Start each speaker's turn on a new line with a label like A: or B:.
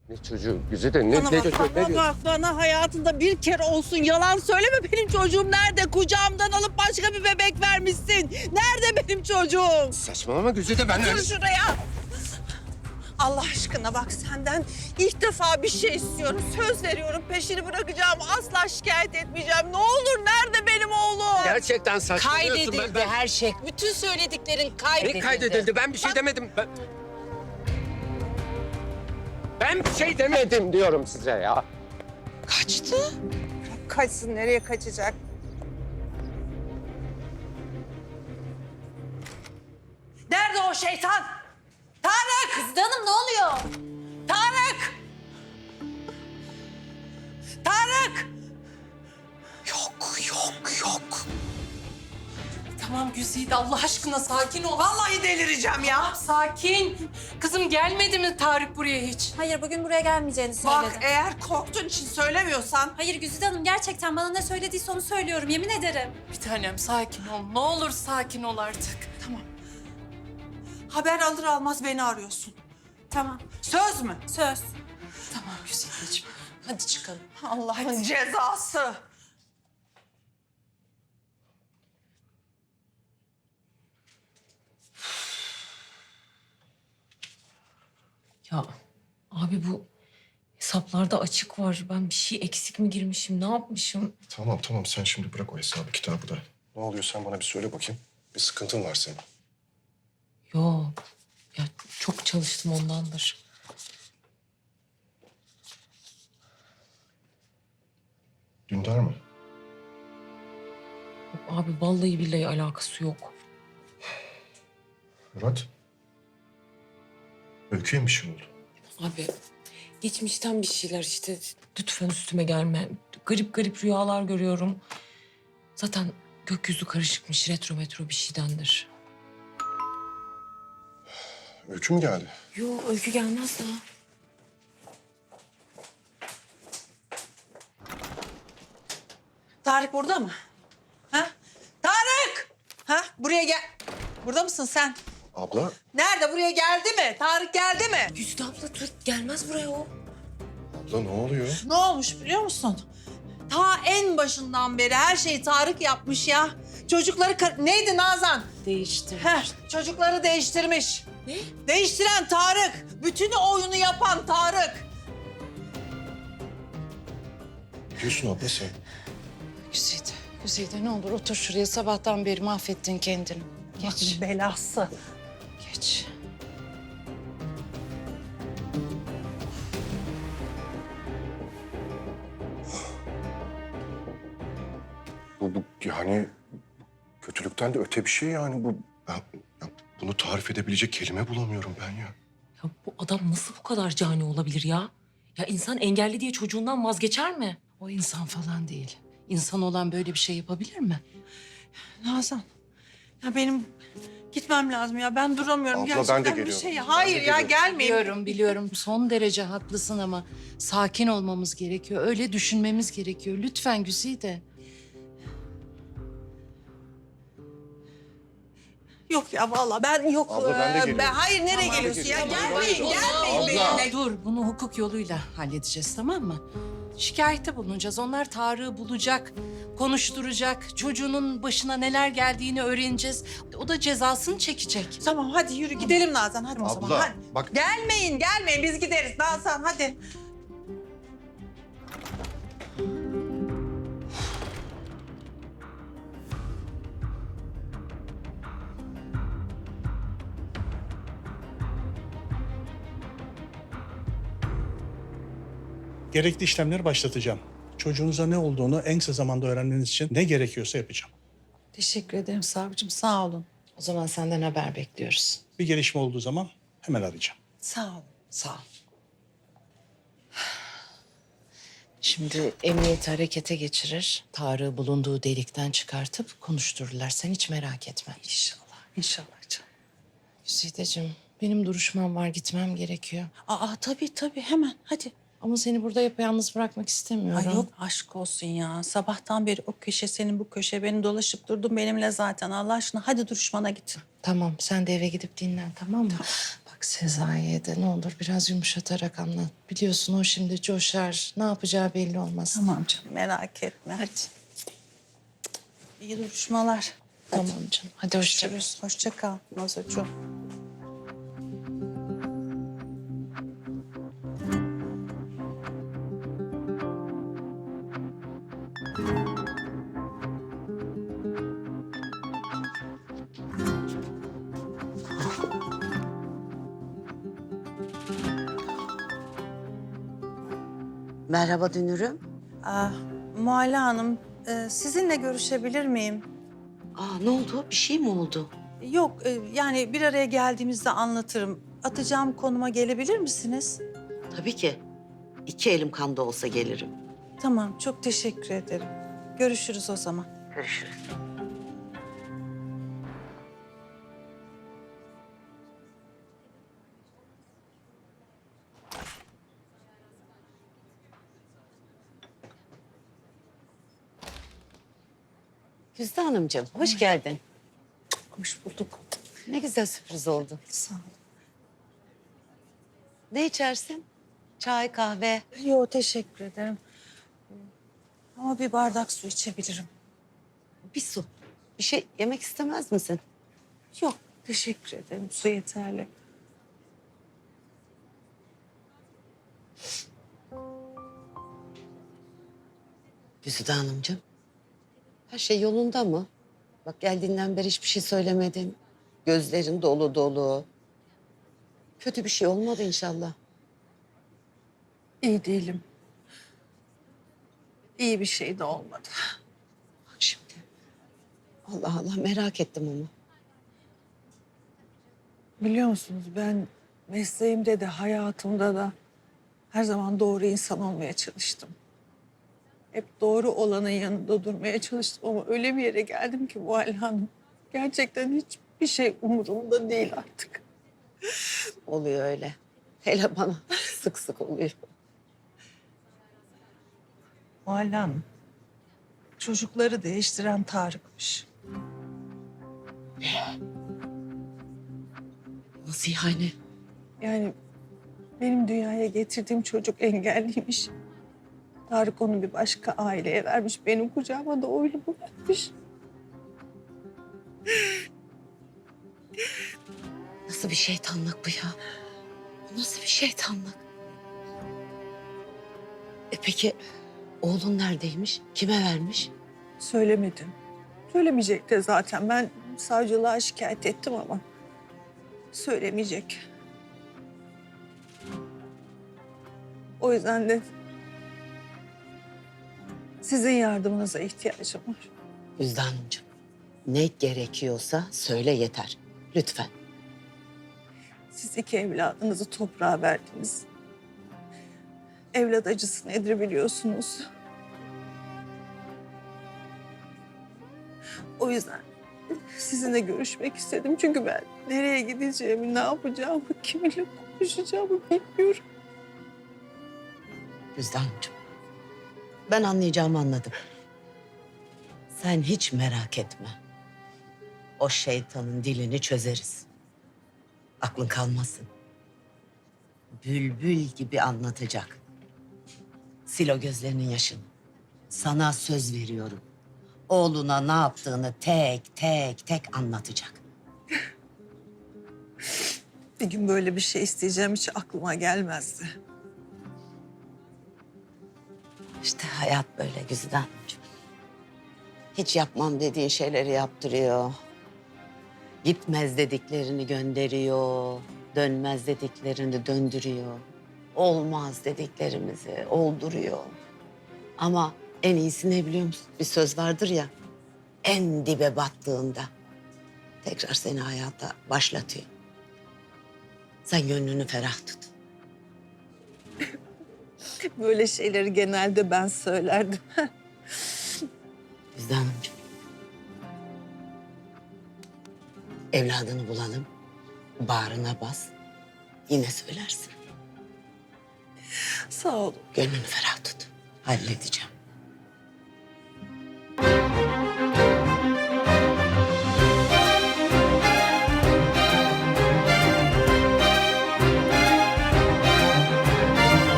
A: Ne çocuğu? Güzide ne
B: Bana
A: çocuğu?
B: bak,
A: Ne
B: bana
A: diyorsun?
B: bak, bana hayatında bir kere olsun yalan söyleme. Benim çocuğum nerede? Kucağımdan alıp başka bir bebek vermişsin. Nerede benim çocuğum?
A: Saçmalama Güzide, ben
B: Dur şuraya. Allah aşkına bak, senden ilk defa bir şey istiyorum. Söz veriyorum, peşini bırakacağım. Asla şikayet etmeyeceğim. Ne olur, nerede benim oğlum?
A: Gerçekten saçmalıyorsun.
C: Kaydedildi her şey. Bütün söylediklerin kaydedildi.
A: Ne kaydedildi? Ben bir şey demedim. Ben bir şey demedim diyorum size ya.
C: Kaçtı.
B: Kaçsın, nereye kaçacak? Nerede o şeytan? Tarık!
C: Kızdı Hanım ne oluyor?
B: Tarık! Tarık! Yok.
D: Tamam Güzide, Allah aşkına sakin ol.
B: Vallahi delireceğim ya.
D: Sakin. Kızım gelmedi mi Tarık buraya hiç?
E: Hayır, bugün buraya gelmeyeceğini söyledi.
B: Bak, eğer korktuğun için söylemiyorsan...
E: Hayır Güzide Hanım, gerçekten bana ne söylediyse onu söylüyorum, yemin ederim.
D: Bir tanem sakin ol. Ne olur sakin ol artık.
B: Tamam. Haber alır almaz beni arıyorsun.
E: Tamam,
B: Söz mü?
E: söz.
D: Tamam Güzideciğim. Hadi çıkalım.
B: Allah'ın cezası.
F: Ya abi bu hesaplarda açık var. Ben bir şey eksik mi girmişim, ne yapmışım?
G: Tamam sen şimdi bırak o hesabı kitabı da. Ne oluyor sen bana bir söyle bakayım. Bir sıkıntın var senin.
F: Yok. Ya çok çalıştım ondandır.
G: Dündar mı?
F: Yok abi vallahi billahi alakası yok.
G: Murat? Öykü'ye bir şey oldu.
F: Abi geçmişten bir şeyler işte. Lütfen üstüme gelme. Garip garip rüyalar görüyorum. Zaten gökyüzü karışıkmış. Retro metro bir şeydendir.
G: Öykü mü geldi?
F: Yok öykü gelmez daha.
B: Tarık burada mı? Ha? Tarık! Ha? Buraya gel. Burada mısın sen?
G: Abla.
B: Nerede? Buraya geldi mi? Tarık geldi mi?
F: Güzide abla dur gelmez buraya o.
G: Abla ne oluyor?
B: Ne olmuş biliyor musun? Ta en başından beri her şeyi Tarık yapmış ya. Çocukları... Neydi Nazan?
C: Değişti.
B: Çocukları değiştirmiş.
F: Ne?
B: Değiştiren Tarık. Bütün oyunu yapan Tarık.
G: Ne diyorsun abla sen?
C: Güzide ne olur otur şuraya. Sabahtan beri mahvettin kendini. Geç,
B: Belası.
C: geç.
G: Bu yani kötülükten de öte bir şey yani bu. Ben ya bunu tarif edebilecek kelime bulamıyorum ben ya.
F: Ya bu adam nasıl bu kadar cani olabilir ya? Ya insan engelli diye çocuğundan vazgeçer mi?
C: O insan falan değil. İnsan olan böyle bir şey yapabilir mi?
B: Nazan. Ya benim gitmem lazım ya. Ben duramıyorum.
G: Abla, ben de
B: Gerçekten bir
G: geliyorum.
B: şey.
G: Ben de
B: Hayır ya,
G: geliyorum.
B: gelmeyin.
C: Biliyorum. Son derece haklısın ama sakin olmamız gerekiyor. Öyle düşünmemiz gerekiyor. Lütfen Güzide.
B: Yok ya vallahi ben yok.
G: Abla, ben de geliyorum.
B: hayır nereye
G: Tamam,
B: geliyorsun ya?
G: geliyorum.
B: Gelmeyin benimle.
C: Dur, bunu hukuk yoluyla halledeceğiz, tamam mı? Şikayette bulunacağız. Onlar Tarık'ı bulacak, konuşturacak. Çocuğunun başına neler geldiğini öğreneceğiz. O da cezasını çekecek.
B: Tamam hadi yürü gidelim Nazan, hadi o zaman.
G: Abla
B: Hadi.
G: bak
B: Gelmeyin biz gideriz Nazan, hadi.
H: Gerekli işlemleri başlatacağım. Çocuğunuza ne olduğunu en kısa zamanda öğrenmeniz için ne gerekiyorsa yapacağım.
C: Teşekkür ederim savcım, sağ olun. O zaman senden haber bekliyoruz.
H: Bir gelişme olduğu zaman hemen arayacağım.
B: Sağ ol.
C: Sağ ol. Şimdi emniyeti harekete geçirir. Tarık'ı bulunduğu delikten çıkartıp konuştururlar. Sen hiç merak etme. İnşallah canım. Güzideciğim, benim duruşmam var. Gitmem gerekiyor.
B: Tabii hemen hadi.
C: Ama seni burada yapayalnız bırakmak istemiyorum.
B: Ay yok aşk olsun ya. Sabahtan beri o köşe senin bu köşe beni dolaşıp durdun benimle zaten. Allah aşkına hadi duruşmana git.
C: Tamam, sen de eve gidip dinlen, tamam mı? Bak Bak Sezai'ye de ne olur biraz yumuşatarak anlat. Biliyorsun o şimdi coşar. Ne yapacağı belli olmaz.
B: Tamam canım merak etme hadi. İyi duruşmalar.
C: Tamam canım. Hadi hoşça kal.
B: Görüşürüz. Hoşça kal Nazocuğum.
I: Merhaba Dünür'üm.
B: Muhalle Hanım, sizinle görüşebilir miyim?
I: Ne oldu? Bir şey mi oldu?
B: Yok, yani bir araya geldiğimizde anlatırım. Atacağım konuma gelebilir misiniz?
I: Tabii ki. 2 elim kanda olsa gelirim.
B: Tamam, çok teşekkür ederim. Görüşürüz o zaman.
I: Görüşürüz. Güzde Hanımcığım, hoş geldin.
B: Hoş bulduk.
I: Ne güzel sürpriz oldu.
B: Sağ ol.
I: Ne içersin? Çay, kahve.
B: Yok, teşekkür ederim. Ama bir bardak su içebilirim.
I: Bir su. Bir şey yemek istemez misin?
B: Yok, teşekkür ederim. Su yeterli.
I: Güzide Hanımcığım, her şey yolunda mı? Bak geldiğinden beri hiçbir şey söylemedin. Gözlerin dolu dolu. Kötü bir şey olmadı inşallah.
B: İyi değilim. İyi bir şey de olmadı.
I: Bak şimdi. Allah Allah merak ettim ama.
B: Biliyor musunuz ben mesleğimde de hayatımda da her zaman doğru insan olmaya çalıştım. Hep doğru olanın yanında durmaya çalıştım ama öyle bir yere geldim ki Muhalle Hanım. Gerçekten hiçbir şey umurumda değil artık.
I: Oluyor öyle. Hele bana sık sık oluyor.
B: Muhalle Hanım, çocukları değiştiren Tarık'mış.
I: Nasıl yani?
B: Yani benim dünyaya getirdiğim çocuk engelliymiş. Tarık onu bir başka aileye vermiş. Benim kucağıma da oyunu bırakmış.
I: Nasıl bir şeytanlık bu ya? Bu nasıl bir şeytanlık? Peki oğlun neredeymiş? Kime vermiş?
B: Söylemedim. Söylemeyecek de zaten. Ben savcılığa şikayet ettim ama söylemeyecek. O yüzden de sizin yardımınıza ihtiyacım var.
I: Güzde Hanımcığım, ne gerekiyorsa söyle yeter. Lütfen.
B: Siz 2 evladınızı toprağa verdiniz. Evlat acısı nedir biliyorsunuz. O yüzden sizinle görüşmek istedim. Çünkü ben nereye gideceğimi, ne yapacağımı, kiminle konuşacağımı bilmiyorum.
I: Güzde Hanımcığım, ben anlayacağımı anladım. Sen hiç merak etme. O şeytanın dilini çözeriz. Aklın kalmasın. Bülbül gibi anlatacak. Sil o gözlerinin yaşını. Sana söz veriyorum. Oğluna ne yaptığını tek tek anlatacak.
B: Bir gün böyle bir şey isteyeceğim hiç aklıma gelmezdi.
I: İşte hayat böyle Güzide Hanımcığım. Hiç yapmam dediğin şeyleri yaptırıyor. Gitmez dediklerini gönderiyor. Dönmez dediklerini döndürüyor. Olmaz dediklerimizi olduruyor. Ama en iyisi ne biliyor musun? Bir söz vardır ya. En dibe battığında tekrar seni hayata başlatıyor. Sen gönlünü ferah tut.
B: Böyle şeyleri genelde ben söylerdim.
I: Güzide Hanımcığım. Evladını bulalım. Bağrına bas. Yine söylersin.
B: Sağ olun.
I: Gönlünü ferah tut. Halledeceğim.